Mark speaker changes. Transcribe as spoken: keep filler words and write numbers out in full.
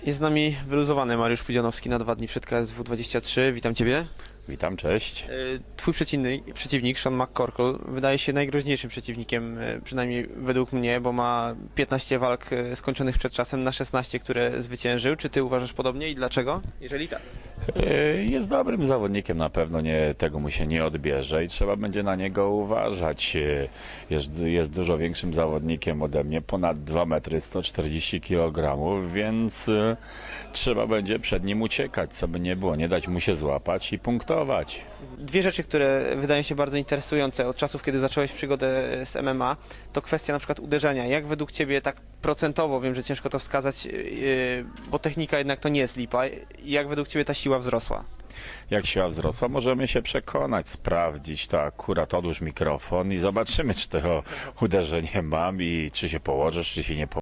Speaker 1: Jest z nami wyluzowany Mariusz Pudzianowski na dwa dni przed K S W dwadzieścia trzy. Witam Ciebie.
Speaker 2: Witam, cześć.
Speaker 1: Twój przeciwnik, przeciwnik Sean McCorkle, wydaje się najgroźniejszym przeciwnikiem, przynajmniej według mnie, bo ma piętnaście walk skończonych przed czasem na szesnaście, które zwyciężył. Czy Ty uważasz podobnie i dlaczego? Jeżeli tak.
Speaker 2: Jest dobrym zawodnikiem, na pewno nie, tego mu się nie odbierze i trzeba będzie na niego uważać. Jest, jest dużo większym zawodnikiem ode mnie, ponad dwa metry, sto czterdzieści kilogramów, więc trzeba będzie przed nim uciekać, co by nie było, nie dać mu się złapać i punktować.
Speaker 1: Dwie rzeczy, które wydają się bardzo interesujące od czasów, kiedy zacząłeś przygodę z M M A, to kwestia na przykład uderzenia. Jak według Ciebie tak procentowo, wiem, że ciężko to wskazać, yy, bo technika jednak to nie jest lipa, jak według Ciebie ta siła wzrosła?
Speaker 2: Jak siła wzrosła, możemy się przekonać, sprawdzić to akurat, odłóż mikrofon i zobaczymy, czy to uderzenie mam i czy się położysz, czy się nie położysz.